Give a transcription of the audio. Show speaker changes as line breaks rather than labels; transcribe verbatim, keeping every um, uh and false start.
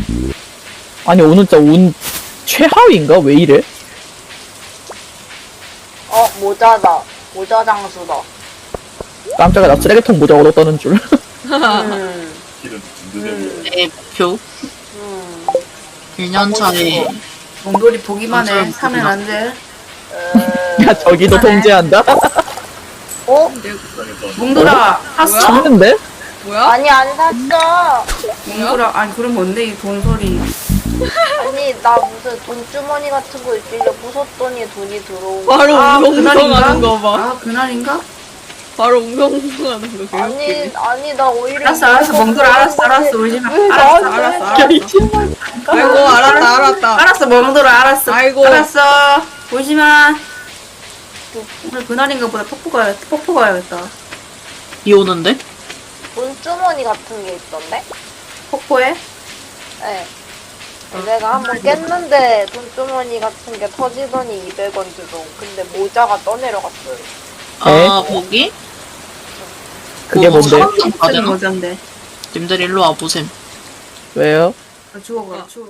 아니 오늘 진짜 운 최하위인가? 왜 이래?
어, 모자다. 모자 장수다.
깜짝이야 나 쓰레기통 모자 얻었다는 줄.
음,
길은 든든해 보여.
내 목표
음.
일 년 차에
몽돌이 보기만 해.
완전
사면
보기만.
안 돼.
에...
야 저기도
하네.
통제한다?
어?
불쌍해서
몽돌아, 샀어?
샀는데?
뭐야?
아니, 안 샀어.
몽돌아, 아니, 그럼 뭔데, 이 돈 소리.
아니, 나 무슨 돈주머니 같은 거 있길래 부쉈더니 돈이 들어온 거.
바로
아,
웅성웅성하는 거 봐.
아, 그날인가?
바로 웅성웅성하는 거
아니,
개웃기네.
아니, 나 오히려.
알았어, 알았어, 몽돌아, 알았어, 알았어, 울지 마.
왜
알았어,
나한테
알았어,
야,
알았어.
이 친구.
아이고 알았다 알았다.
알았어, 몽돌아, 알았어.
아이고.
알았어. 울지 마. 오늘 그날인가 보다 폭포 가야, 폭포 가야겠다.
비 오는데?
돈주머니 같은 게 있던데?
폭포에?
네. 내가 한번 깼는데 돈주머니 같은 게 터지더니 이백 원 주고. 근데 모자가 떠내려갔어요.
아 거기?
그게
뭐,
뭔데?
사람들
쓰는
가잖아?
모자인데.
님들 일로 와보셈.
왜요?
아, 죽어가, 죽어.